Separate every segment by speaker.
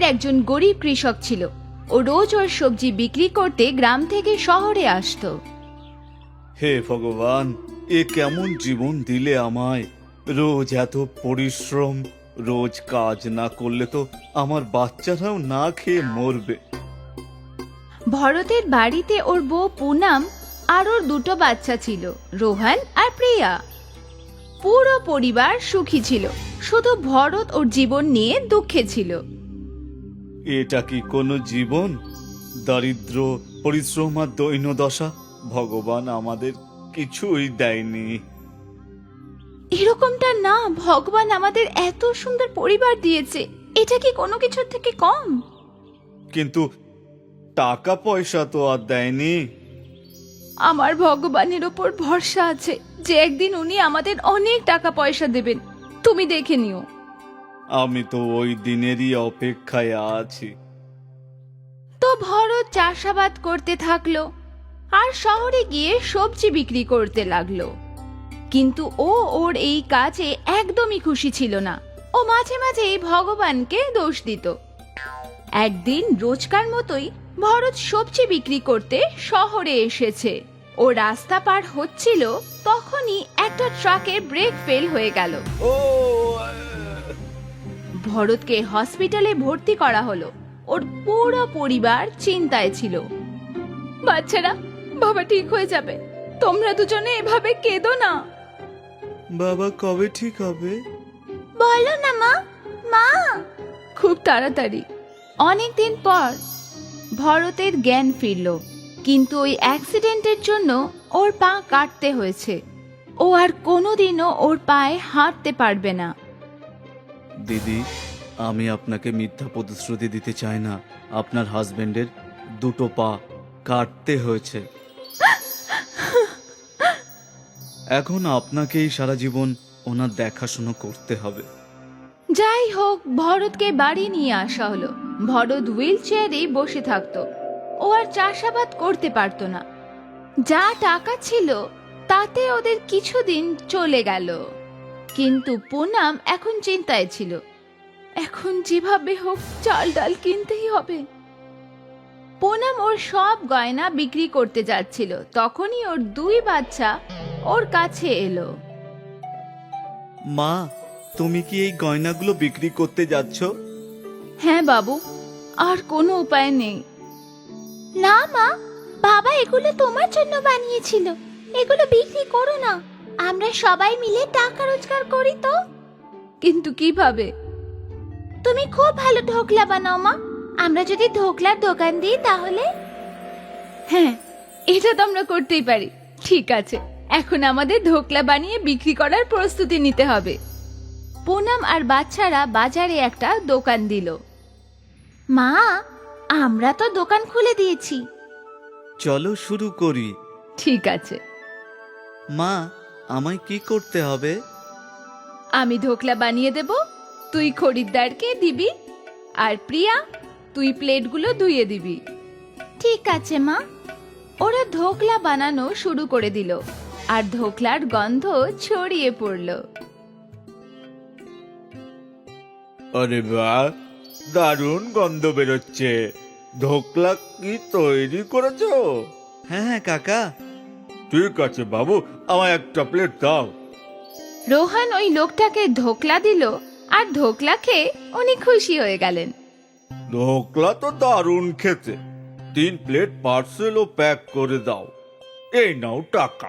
Speaker 1: গ্রামের একজন গরিব কৃষক ছিল। ও রোজ ওর সবজি বিক্রি করতে গ্রাম থেকে শহরে আসতো।
Speaker 2: হে ভগবান, এ কেমন জীবন দিলে আমায়! রোজ এত পরিশ্রম, রোজ কাজ না করলে তো আমার বাচ্চারাও না খেয়ে মরবে।
Speaker 1: ভরতের বাড়িতে ওর বউ পুনাম আর ওর দুটো বাচ্চা ছিল, রোহন আর প্রিয়া। পুরো পরিবার সুখী ছিল, শুধু ভরত ওর জীবন নিয়ে দুঃখে ছিল।
Speaker 2: এটা কি কোনো জীবন? দারিদ্র, পরিশ্রম আর দৈন্যদশা। ভগবান আমাদের কিছুই দেয়নি।
Speaker 1: এরকমটা না, ভগবান আমাদের এত সুন্দর পরিবার দিয়েছে, এটা কি কোনো কিছুর থেকে কম?
Speaker 2: কিন্তু টাকা পয়সা তো আর দেয়নি।
Speaker 1: আমার ভগবানের ওপর ভরসা আছে যে একদিন উনি আমাদের অনেক টাকা পয়সা দেবেন, তুমি দেখে নিও।
Speaker 2: আমি তো ওই দিনেরই অপেক্ষায় আছি।
Speaker 1: তো ভরত চাষাবাদ করতে থাকলো আর শহরে গিয়ে সবজি বিক্রি করতে লাগলো। কিন্তু ও ওর এই কাজে একদমই খুশি ছিল না। ও মাঝে মাঝে ভগবানকে দোষ দিত। একদিন রোজকার মতোই ভরত সবজি বিক্রি করতে শহরে এসেছে। ও রাস্তা পার হচ্ছিল, তখনই একটা ট্রাকের ব্রেক ফেল হয়ে গেল।
Speaker 2: ও
Speaker 1: ভরতকে হসপিটালে ভর্তি করা হলো। ওর পুরো পরিবার চিন্তায় ছিল। বাচ্চারা, বাবা ঠিক হয়ে যাবে, তোমরা দুজনে এভাবে কেঁদো না।
Speaker 2: বাবা কবে ঠিক হবে?
Speaker 1: বলো না মা, মা। খুব তাড়াতাড়ি। অনেকদিন পর ভরতের জ্ঞান ফিরল, কিন্তু ওই অ্যাক্সিডেন্টের জন্য ওর পা কাটতে হয়েছে। ও আর কোনোদিনও ওর পায়ে হাঁটতে পারবে না।
Speaker 2: দিদি, আমি আপনাকে মিথ্যা প্রতিশ্রুতি দিতে চাই না। আপনার হাজবেন্ডের দুটো পা কাটতে হয়েছে। এখন আপনাকেই সারা জীবন ওনার দেখাশোনা করতে হবে।
Speaker 1: যাই হোক, ভরতকে বাড়ি নিয়ে আসা হলো। ভরত হুইল চেয়ারেই বসে থাকতো। ও আর চাষাবাদ করতে পারতো না। যা টাকা ছিল তাতে ওদের কিছুদিন চলে গেল। কিন্তু পুনাম এখন চিন্তায় ছিল। এখন যেভাবে হোক চাল ডাল কিনতেই হবে। পুনাম ওর সব গয়না বিক্রি করতে যাচ্ছিল, তখনই ওর দুই বাচ্চা ওর কাছে এলো।
Speaker 2: মা, তুমি কি এই গয়নাগুলো বিক্রি করতে যাচ্ছ?
Speaker 1: হ্যাঁ বাবু, আর কোনো উপায় নেই। না মা, বাবা এগুলো তোমার জন্য বানিয়েছিল, এগুলো বিক্রি করো না, আমরা সবাই মিলে টাকা রোজগার করি তো। কিন্তু কিভাবে? তুমি খুব ভালো ঢোকলা বানাও মা, আমরা যদি ঢোকলার দোকান দিই তাহলে। হ্যাঁ, এটা তো আমরা করতেই পারি। ঠিক আছে, এখন আমাদের ঢোকলা বানিয়ে বিক্রি করার প্রস্তুতি নিতে হবে। পুনাম আর বাচ্চারা বাজারে একটা দোকান দিল। মা, আমরা তো দোকান খুলে দিয়েছি।
Speaker 2: চলো শুরু করি।
Speaker 1: ঠিক আছে।
Speaker 2: মা, আমায় কি করতে হবে?
Speaker 1: আমি ঢোকলা বানিয়ে দেব, তুই খরিদ্দারকে দিবি, আর প্রিয়া তুই প্লেটগুলো ধুয়ে দিবি। ঠিক আছে মা। ওরা ঢোকলা বানানো শুরু করে দিল, আর ঢোকলার গন্ধ ছড়িয়ে পড়ল।
Speaker 2: আরে বাহ, দারুণ গন্ধ বেরোচ্ছে। ঢোকলা কি তৈরি করেছো? হ্যাঁ হ্যাঁ কাকা। ঠিক আছে বাবু, আমায় একটা প্লেট দাও।
Speaker 1: রোহন ওই লোকটাকে ঢোকলা দিল, আর ঢোকলা খেয়ে উনি খুশি হয়ে গেলেন।
Speaker 2: ঢোকলা তো দারুণ খেতে। 3 প্লেট পার্সেল ও প্যাক করে দাও। এই নাও টাকা।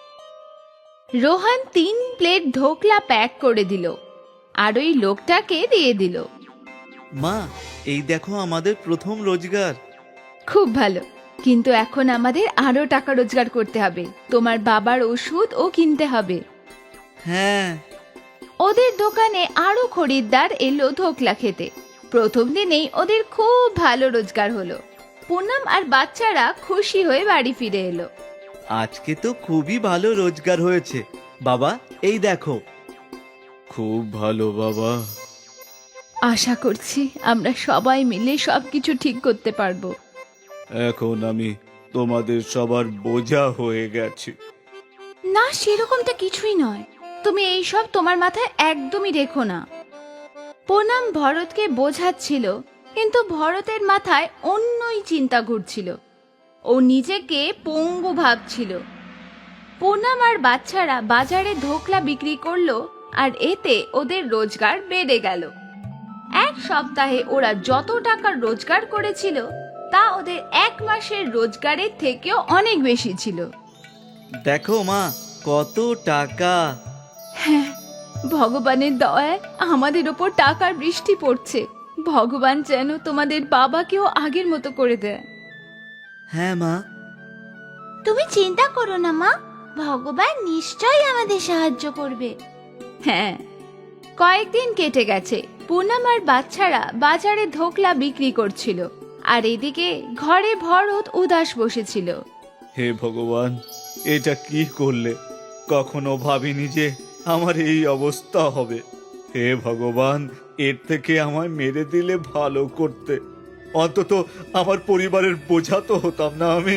Speaker 1: রোহন 3 প্লেট ঢোকলা প্যাক করে দিল, আর ওই লোকটাকে দিয়ে দিল।
Speaker 2: মা, এই দেখো আমাদের প্রথম রোজগার।
Speaker 1: খুব ভালো, কিন্তু এখন আমাদের আরো টাকা রোজগার করতে হবে। তোমার বাবার ওষুধও কিনতে হবে।
Speaker 2: হ্যাঁ।
Speaker 1: ওদের দোকানে আরো খরিদ্দার এলো ঢোকলা খেতে। প্রথম দিনেই ওদের খুব ভালো রোজগার হলো। পুনাম আর বাচ্চারা খুশি হয়ে বাড়ি ফিরে এলো।
Speaker 2: আজকে তো খুবই ভালো রোজগার হয়েছে। বাবা, এই দেখো। খুব ভালো বাবা।
Speaker 1: আশা করছি আমরা সবাই মিলে সবকিছু ঠিক করতে পারবো।
Speaker 2: এখন আমি তোমাদের সবার বোঝা হয়ে গেছি।
Speaker 1: না, সেরকমটা কিছুই নয়। তুমি এইসব তোমার মাথায় একদমই রেখো না। পুনাম ভরতকে বোঝাচ্ছিল কিন্তু ভরতের মাথায় অন্যই চিন্তা ঘুরছিল। ও নিজেকে পঙ্গু ভাবছিল। পুনাম আর বাচ্চারা বাজারে ধোকলা বিক্রি করলো, আর এতে ওদের রোজগার বেড়ে গেল। এক সপ্তাহে ওরা যত টাকা রোজগার করেছিল তা ওদের এক মাসের রোজগারের থেকেও অনেক বেশি ছিল।
Speaker 2: দেখো মা, কত টাকা!
Speaker 1: হ্যাঁ, ভগবানের দয়ায় আমাদের ওপর টাকার বৃষ্টি পড়ছে। ভগবান যেন তোমাদের বাবাকেও আগের মতো করে দেয়।
Speaker 2: হ্যাঁ মা।
Speaker 1: তুমি চিন্তা করো না মা, ভগবান নিশ্চয়ই আমাদের সাহায্য করবে। হ্যাঁ। কয়েকদিন কেটে গেছে। পুনাম আর বাচ্চারা বাজারে ধোকলা বিক্রি করছিল, আর এদিকে ঘরে ভরত উদাস বসেছিল।
Speaker 2: হে ভগবান, এটা কি করলে? কখনো ভাবিনি যে আমার এই অবস্থা হবে। হে ভগবান, এর থেকে আমায় মেরে দিলে ভালো করতে, অন্তত আমার পরিবারের বোঝা তো হতাম না আমি।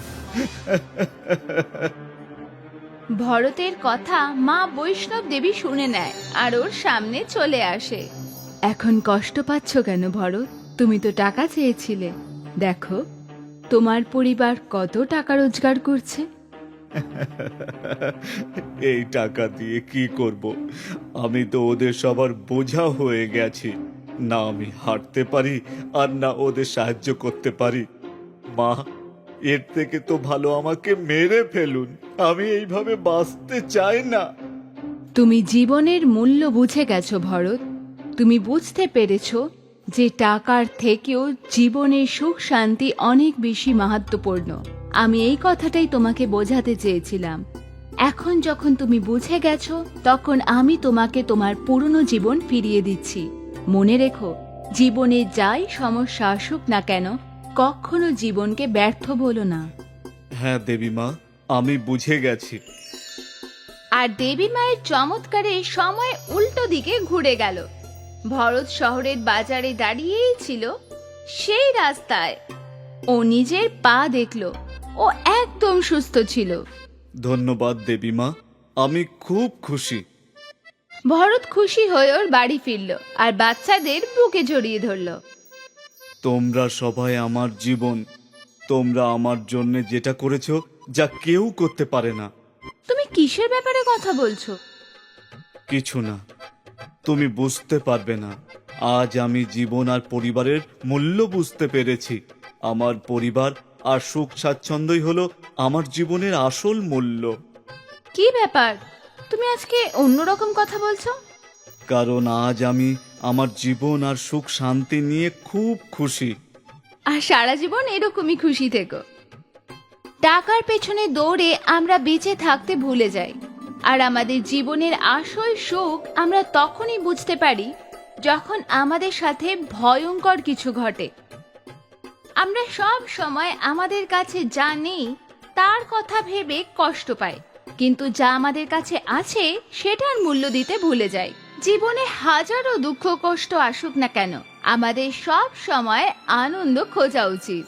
Speaker 1: ভরতের কথা মা বৈষ্ণব দেবী শুনে নেয় আর ওর সামনে চলে আসে। এখন কষ্ট পাচ্ছ কেন ভরত? তুমি তো টাকা চেয়েছিলে। দেখো তোমার পরিবার কত টাকা রোজগার করছে।
Speaker 2: এই টাকা দিয়ে কি করব? আমি তো ওদের সবার বোঝা হয়ে গেছি। না আমি হাঁটতে পারি, আর না ওদের সাহায্য করতে পারি। মা, এর থেকে তো ভালো আমাকে মেরে ফেলুন। আমি এইভাবে বাঁচতে চাই না।
Speaker 1: তুমি জীবনের মূল্য বুঝে গেছো ভরত। তুমি বুঝতে পেরেছো যে টাকার থেকেও জীবনের সুখ শান্তি অনেক বেশি মাহাত্ম্যপূর্ণ। আমি এই কথাটাই তোমাকে বোঝাতে চেয়েছিলাম। এখন যখন তুমি বুঝে গেছো, তখন আমি তোমাকে তোমার পুরনো জীবন ফিরিয়ে দিচ্ছি। মনে রেখো, জীবনে যাই সমস্যা আসুক না কেন, কখনো জীবনকে ব্যর্থ বলো না।
Speaker 2: হ্যাঁ দেবী মা, আমি বুঝে গেছি।
Speaker 1: আর দেবী মায়ের চমৎকারে সময় উল্টো দিকে ঘুরে গেল। ভরত শহরের বাজারে দাঁড়িয়েই ছিল। সেই রাস্তায় ও নিজের পা দেখলো। ও একদম সুস্থ ছিল।
Speaker 2: ধন্যবাদ দেবী মা, আমি খুব খুশি।
Speaker 1: ভরত খুশি হয়ে ওর বাড়ি ফিরল আর বাচ্চাদের বুকে জড়িয়ে ধরল।
Speaker 2: তোমরা সবাই আমার জীবন। তোমরা আমার জন্য যেটা করেছো, যা কেউ করতে পারে না।
Speaker 1: তুমি কিসের ব্যাপারে কথা বলছো?
Speaker 2: কিছু না, তুমি বুঝতে পারবে না। আজ আমি জীবন আর পরিবারের মূল্য বুঝতে পেরেছি। আমার পরিবার আর সুখ স্বাচ্ছন্দ্যই হলো আমার জীবনের আসল মূল্য।
Speaker 1: কি ব্যাপার, তুমি আজকে অন্যরকম কথা বলছো?
Speaker 2: কারণ আজ আমি আমার জীবন আর সুখ শান্তি নিয়ে খুব খুশি।
Speaker 1: আর সারা জীবন এরকমই খুশি থেকো। টাকার পেছনে দৌড়ে আমরা বেঁচে থাকতে ভুলে যাই। আর আমাদের জীবনের আসল সুখ আমরা তখনই বুঝতে পারি যখন আমাদের সাথে ভয়ঙ্কর কিছু ঘটে। আমরা সব সময় আমাদের কাছে যা নেই তার কথা ভেবে কষ্ট পাই, কিন্তু যা আমাদের কাছে আছে সেটার মূল্য দিতে ভুলে যাই। জীবনে হাজারো দুঃখ কষ্ট আসুক না কেন, আমাদের সব সময় আনন্দ খোঁজা উচিত।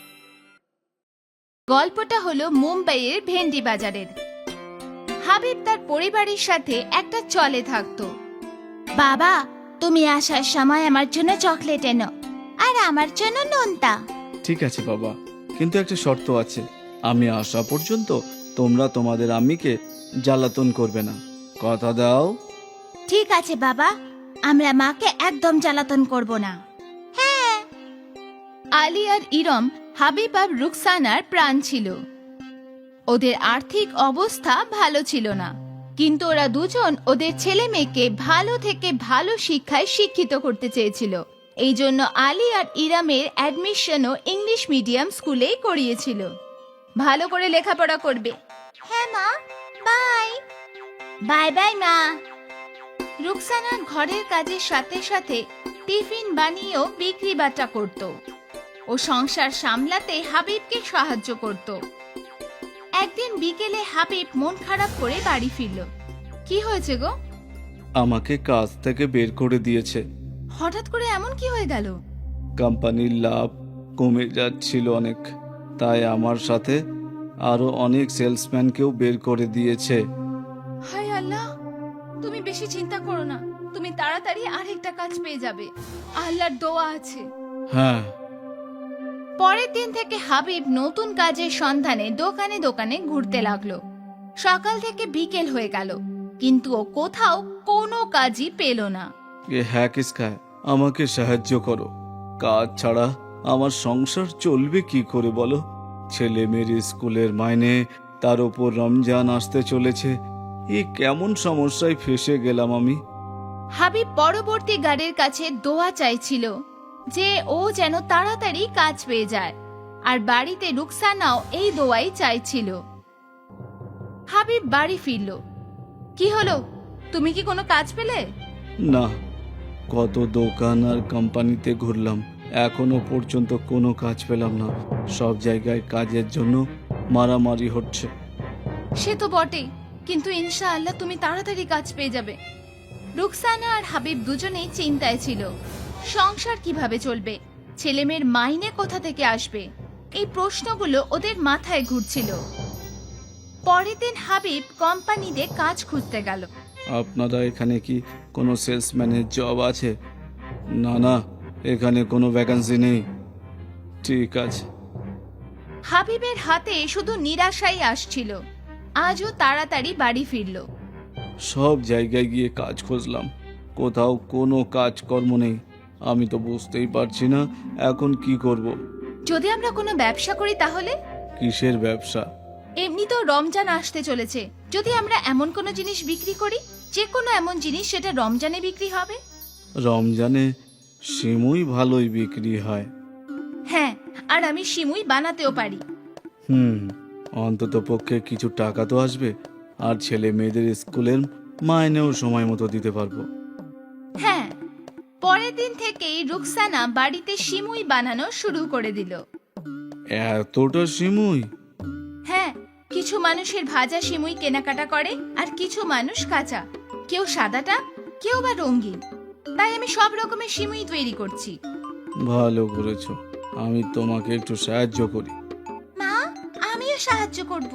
Speaker 1: গল্পটা হলো মুম্বাইয়ের ভেন্ডি বাজারের। হাবিব তার পরিবারের সাথে একটা চলে থাকতো। বাবা, তুমি আসার সময় আমার জন্য চকলেট এনো, আর আমার জন্য নোনতা।
Speaker 3: ঠিক আছে বাবা, কিন্তু একটা শর্ত আছে। আমি আসা পর্যন্ত তোমরা তোমাদের আম্মিকে জ্বালাতন করবে না। কথা দাও?
Speaker 1: ঠিক আছে বাবা, আমরা মাকে একদম জ্বালাতন করব না। হ্যাঁ। আলী আর ইরম হাবিব আর রুকসানার প্রাণ ছিল। ওদের আর্থিক অবস্থা ভালো ছিল না, কিন্তু ওরা দুজন ওদের ছেলে মেয়েকে ভালো থেকে ভালো শিক্ষায় শিক্ষিত করতে চেয়েছিল। এই জন্য আলী আর ইরামের অ্যাডমিশনও ইংলিশ মিডিয়াম স্কুলেই করিয়েছিল। ভালো করে লেখাপড়া করবে। হ্যাঁ মা, বাই। বাই বাই মা। রুকসানা ঘরের কাজের সাথে সাথে টিফিন বানিয়েও বিক্রি বাটা করত। ও সংসার সামলাতে হাবিবকে সাহায্য করত। একদিন বিকেলে হাবিব মন খারাপ করে বাড়ি ফিরল। কি হয়েছে গো?
Speaker 3: আমাকে কাজ থেকে বের করে দিয়েছে।
Speaker 1: হঠাৎ করে এমন কি হয়ে গেল?
Speaker 3: কোম্পানির লাভ কমে যাচ্ছিল অনেক, তাই আমার সাথে আরো অনেক সেলসম্যানকেও বের করে দিয়েছে।
Speaker 1: হায় আল্লাহ, তুমি বেশি চিন্তা করো না, তুমি তাড়াতাড়ি আরেকটা কাজ পেয়ে যাবে। আল্লাহর দোয়া আছে।
Speaker 3: হ্যাঁ।
Speaker 1: পরের দিন থেকে হাবিব নতুন কাজের সন্ধানে দোকানে দোকানে ঘুরতে লাগলো। সকাল থেকে বিকেল হয়ে গেল, কিন্তু ও কোথাও কোনো কাজই পেল না।
Speaker 3: হ্যাঁ কিসকা, আমাকে সাহায্য করো। কাজ ছাড়া আমার সংসার চলবে কি করে বলো? ছেলে মেয়ের স্কুলের মাইনে, তার উপর রমজান আসতে চলেছে। এই কেমন সমস্যায় ফেসে গেলাম আমি।
Speaker 1: হাবিব পরবর্তী গাড়ির কাছে দোয়া চাইছিল যে ও যেন তাড়াতাড়ি কাজ পেয়ে যায়, আর বাড়িতে রুকসানাও এই দোয়াই চাইছিল। হাবিব বাড়ি ফিরল। কি হলো, তুমি কি কোনো কাজ পেলে?
Speaker 3: না, কত দোকান আর কোম্পানিতে ঘুরলাম, এখনো পর্যন্ত কোনো কাজ পেলাম না। সব জায়গায় কাজের জন্য মারামারি হচ্ছে।
Speaker 1: সে তো বটেই, কিন্তু ইনশাআল্লাহ তুমি তাড়াতাড়ি কাজ পেয়ে যাবে। রুকসানা আর হাবিব দুজনেই চিন্তায় ছিল। সংসার কিভাবে চলবে, ছেলেমেয়ের মাইনে কোথা থেকে আসবে, এই প্রশ্নগুলো ওদের মাথায় ঘুরছিল। পরের দিন হাবিব কোম্পানিতে কাজ খুঁজতে গেল।
Speaker 3: আপনারা এখানে কি কোনো সেলসম্যানের জব আছে? না না, এখানে কোনো ভ্যাকেন্সি নেই। ঠিক আছে।
Speaker 1: হাবিবের হাতে শুধু নিরাশাই আসছিল। আজও তাড়াতাড়ি বাড়ি ফিরল।
Speaker 3: সব জায়গায় গিয়ে কাজ খুঁজলাম, কোথাও কোনো কাজকর্ম নেই। আমি তো বুঝতেই পারছি না এখন কি করব।
Speaker 1: যদি আমরা কোনো ব্যবসা করি তাহলে?
Speaker 3: কিসের ব্যবসা?
Speaker 1: এমনি তো রমজান আসতে চলেছে, যদি আমরা এমন কোনো জিনিস বিক্রি করি, যে কোনো এমন জিনিস সেটা রমজানে বিক্রি হবে।
Speaker 3: রমজানে সিমুই ভালোই বিক্রি হয়।
Speaker 1: হ্যাঁ, আর আমি সিমুই বানাতেও পারি।
Speaker 3: অন্তত পক্ষে কিছু টাকা তো আসবে, আর ছেলে মেয়েদের স্কুলের মাইনেও সময় মতো দিতে পারবো।
Speaker 1: হ্যাঁ, পরের দিন থেকেই রুকসানা বাড়িতে সিমুই বানানো শুরু করে দিল।
Speaker 3: এতটা সিমুই?
Speaker 1: হ্যাঁ, কিছু মানুষের ভাজা সিমুই কেনাকাটা করে, আর কিছু মানুষ কাঁচা, কেউ সাদাটা, কেউ বা রঙিন। তাই আমি সব রকমের সিমুই তৈরি করছি।
Speaker 3: ভালো করেছো, আমি তোমাকে একটু সাহায্য করি।
Speaker 1: মা, আমিও সাহায্য করব।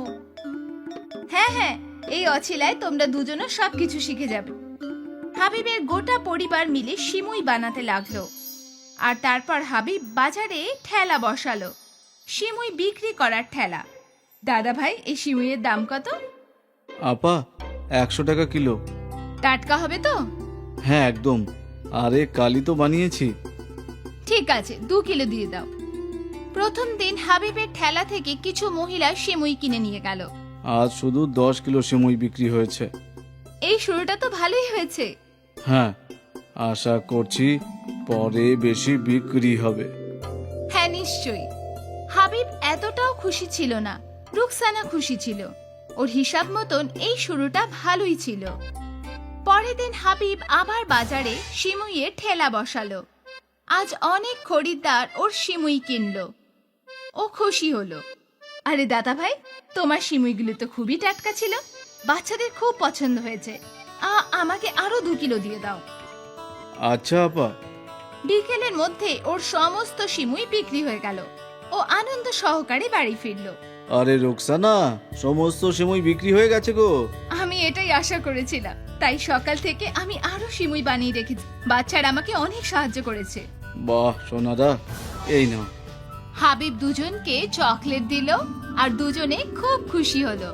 Speaker 1: হ্যাঁ হ্যাঁ, এই অছিলায় তোমরা দুজনও সবকিছু শিখে যাবে। হাবিবের গোটা পরিবার মিলে সিমুই বানাতে লাগলো। আর তারপর হাবিব বাজারে ঠেলা বসালো, সিমুই বিক্রি করার ঠেলা। দাদা ভাই, এই সিমুইয়ের দাম কত?
Speaker 3: আপা, 100 টাকা কিলো।
Speaker 1: টাটকা হবে তো?
Speaker 3: হ্যাঁ একদম, আরে কালই তো বানিয়েছি।
Speaker 1: ঠিক আছে, 2 কিলো দিয়ে দাও। প্রথম দিন হাবিবের ঠেলা থেকে কিছু মহিলা সিমুই কিনে নিয়ে গেল।
Speaker 3: আজ শুধু 10 কিলো সিমুই বিক্রি হয়েছে।
Speaker 1: এই শুরুটা তো ভালোই হয়েছে।
Speaker 3: হ্যাঁ, আশা করছি পরে বেশি বিক্রি হবে।
Speaker 1: হ্যাঁ নিশ্চয়ই। হাবিব এতটাও খুশি ছিল না, রুকসানা খুশি ছিল। ওর হিসাব মতন এই শুরুটা ভালোই ছিল। পরের দিন হাবিব আবার বাজারে সিমুইয়ের ঠেলা বসালো। আজ অনেক খরিদ্দার ওর সিমুই কিনলো। ও খুশি হলো। আরে দাদা ভাই, তোমার সিমুইগুলো তো খুবই টাটকা ছিল, বাচ্চাদের খুব পছন্দ হয়েছে। আমাকে আরো 2 কিলো দিয়ে দাও।
Speaker 3: আচ্ছা আপা।
Speaker 1: বিকেলের মধ্যে ওর সমস্ত সিমুই বিক্রি হয়ে গেল। ও আনন্দ সহকারে বাড়ি ফিরল।
Speaker 3: আরে রোকসানা, সমস্ত সিমুই বিক্রি হয়ে গেছে গো।
Speaker 1: আমি এটাই আশা করেছিলাম, তাই সকাল থেকে আমি আরো সিমুই বানিয়ে রেখেছি। বাচ্চারা আমাকে অনেক সাহায্য করেছে।
Speaker 3: বাহ সোনাদা, এই নাও।
Speaker 1: হাবিব দুজনকে চকলেট দিল, আর দুজনে খুব খুশি হলো।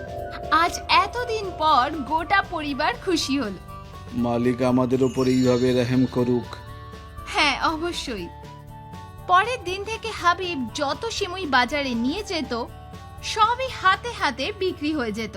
Speaker 1: আজ এতদিন পর গোটা পরিবার খুশি হলো।
Speaker 3: মালিক আমাদের উপর এইভাবে রহম করুক।
Speaker 1: হ্যাঁ অবশ্যই। পরের দিন থেকে হাবিব যত সিমুই বাজারে নিয়ে যেত, সবই হাতে হাতে বিক্রি হয়ে যেত।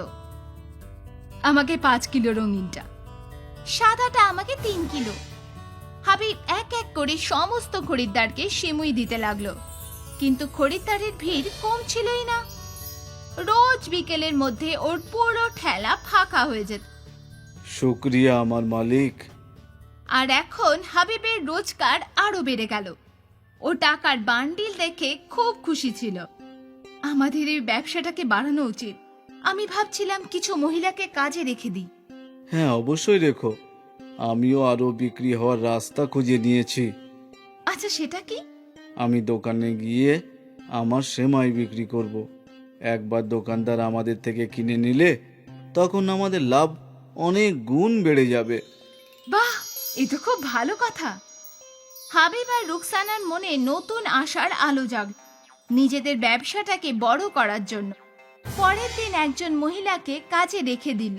Speaker 1: আমাকে 5 কিলো রঙিনটা, সাদাটা আমাকে 3 কিলো। হাবিব এক এক করে সমস্ত খরিদ্দারকে সিমুই দিতে লাগলো, কিন্তু খরিদ্দারের ভিড় কমছিলই না। রোজ বিকেলের মধ্যে ওর পুরো ঠেলা ফাঁকা হয়ে যেত।
Speaker 3: শুকরিয়া আমার মালিক।
Speaker 1: আর এখন হাবিবের রোজগার আরো বেড়ে গেল। ও টাকার বান্ডিল দেখে খুব খুশি ছিল। আমাদের এই ব্যবসাটাকে বাড়ানো উচিত। আমি ভাবছিলাম কিছু মহিলাকে কাজে রেখে দিই।
Speaker 3: হ্যাঁ অবশ্যই রেখো, আমিও আরো বিক্রি হওয়ার রাস্তা খুঁজে নিয়েছি।
Speaker 1: আচ্ছা সেটা কি?
Speaker 3: আমি দোকানে গিয়ে আমার সেমাই বিক্রি করব। একবার দোকানদার আমাদের থেকে কিনে নিলে তখন আমাদের লাভ অনেক গুণ বেড়ে যাবে।
Speaker 1: বাহ, এ তো খুব ভালো কথা। হাবিব আর রুকসানার মনে নতুন আশার আলো জাগ নিজেদের ব্যবসাটাকে বড় করার জন্য। পরের দিন একজন মহিলাকে কাজে রেখে দিল,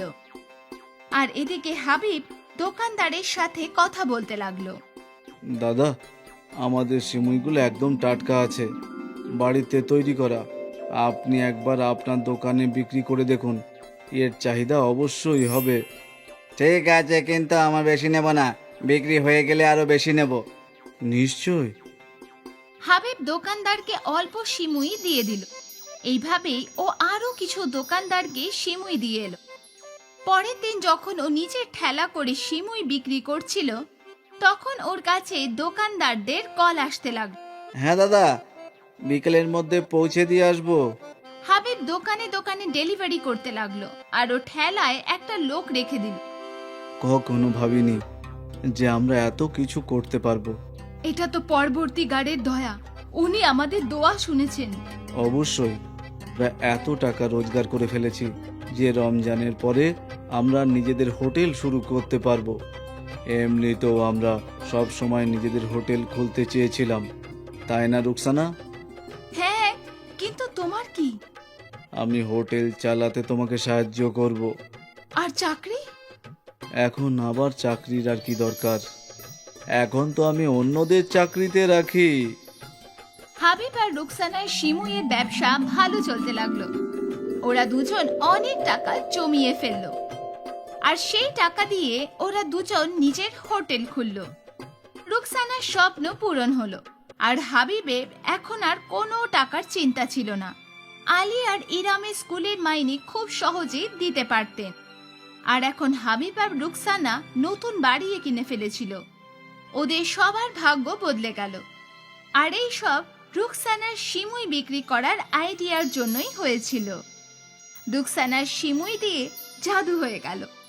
Speaker 1: আর এদিকে হাবিব দোকানদারের সাথে কথা বলতে লাগলো।
Speaker 3: দাদা, আমাদের সিমুইগুলো একদম টাটকা আছে, বাড়িতে তৈরি করা। আপনি একবার আপনার দোকানে বিক্রি করে দেখুন, এর চাহিদা অবশ্যই হবে।
Speaker 4: ঠিক আছে, কিন্তু আমার বেশি নেব না, বিক্রি হয়ে গেলে আরো বেশি নেব।
Speaker 3: নিশ্চয়।
Speaker 1: হাবিব দোকানদারকে অল্প সিমুই দিয়ে দিল। এইভাবেই ও আরো কিছু দোকানদারকে সিমুই দিয়ে এলো। পরের দিন যখন ও নিজের ঠেলা করে সিমুই বিক্রি করছিল, তখন ওর কাছে দোকানদারদের কল আসতে লাগলো।
Speaker 3: হ্যাঁ দাদা, বিকেলের মধ্যে পৌঁছে দিয়ে আসবো।
Speaker 1: হাবিব দোকানে দোকানে ডেলিভারি করতে লাগলো, আর ও ঠেলায় একটা লোক রেখে দিল।
Speaker 3: কখনো ভাবিনি যে আমরা এত কিছু করতে পারবো।
Speaker 1: এটা তো পরবর্তী গার্ডের দয়া, উনি আমাদের দোয়া শুনেছেন।
Speaker 3: অবশ্যই, প্রায় এত টাকা রোজগার করে ফেলেছি যে রমজানের পরে আমরা নিজেদের হোটেল শুরু করতে পারবো। এমনিতেও আমরা সব সময় নিজেদের হোটেল খুলতে চেয়েছিলাম, তাই না রুকসানা?
Speaker 1: হ্যাঁ, কিন্তু তোমার কি?
Speaker 3: আমি হোটেল চালাতে তোমাকে সাহায্য করব।
Speaker 1: আর চাকরি?
Speaker 3: এখন আবার চাকরির আর কি দরকার? এখন তো আমি অন্যদের চাকরিতে রাখি।
Speaker 1: হাবিব আর রুকসানার শিমুয়ের ব্যবসা ভালো চলতে লাগলো। ওরা দুজন অনেক টাকা জমিয়ে ফেললো, আর সেই টাকা দিয়ে ওরা দুজন নিজের হোটেল খুললো। রুকসানার স্বপ্ন পূরণ হলো, আর হাবিবের এখন আর কোনো টাকার চিন্তা ছিল না। আলী আর ইরামের স্কুলের মাইনে খুব সহজেই দিতে পারতেন, আর এখন হাবিব আর রুকসানা নতুন বাড়ি কিনে ফেলেছিল। ওদের সবার ভাগ্য বদলে গেল, আর এই সব রুকসানার সিমুই বিক্রি করার আইডিয়ার জন্যই হয়েছিল। রুকসানার সিমুই দিয়ে জাদু হয়ে গেল।